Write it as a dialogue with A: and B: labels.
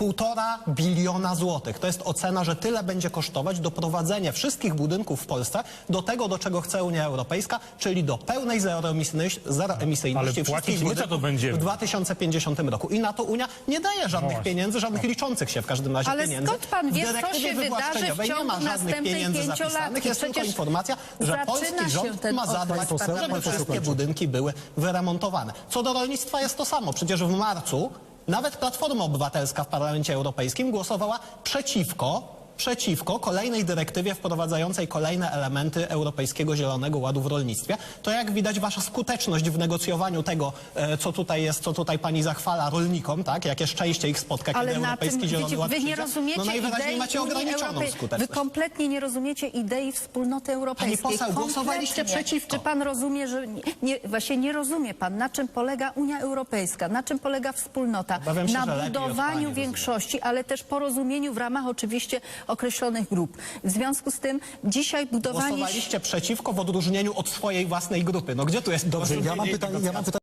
A: 1,5 biliona złotych. To jest ocena, że tyle będzie kosztować doprowadzenie wszystkich budynków w Polsce do tego, do czego chce Unia Europejska, czyli do pełnej zeroemisyjności wszystkich budynków w 2050 roku. I na to Unia nie daje żadnych pieniędzy, żadnych liczących się w każdym razie pieniędzy.
B: Skąd pan wie, co się wydarzy w
A: nie
B: ciągu
A: ma żadnych pieniędzy
B: 5 lat?
A: zapisanych. Jest tylko informacja, że polski rząd ma zadbać, żeby wszystkie budynki były wyremontowane. Co do rolnictwa jest to samo. Przecież w marcu nawet Platforma Obywatelska w Parlamencie Europejskim głosowała przeciwko kolejnej dyrektywie wprowadzającej kolejne elementy Europejskiego Zielonego Ładu w rolnictwie. To jak widać wasza skuteczność w negocjowaniu tego, co tutaj pani zachwala rolnikom, tak? Jakie szczęście ich spotka, kiedy Europejski Zielony Ład przyjdzie. No najwyraźniej macie ograniczoną skuteczność.
B: Wy kompletnie nie rozumiecie idei wspólnoty europejskiej.
A: Pani poseł, głosowaliście przeciwko.
B: Czy pan rozumie, że właśnie nie rozumie pan, na czym polega Unia Europejska, na czym polega wspólnota? Na budowaniu większości, ale też porozumieniu w ramach oczywiście określonych grup. W związku z tym dzisiaj budowanie...
A: Głosowaliście przeciwko w odróżnieniu od swojej własnej grupy. No gdzie tu jest...
C: Dobrze, ja mam pytanie.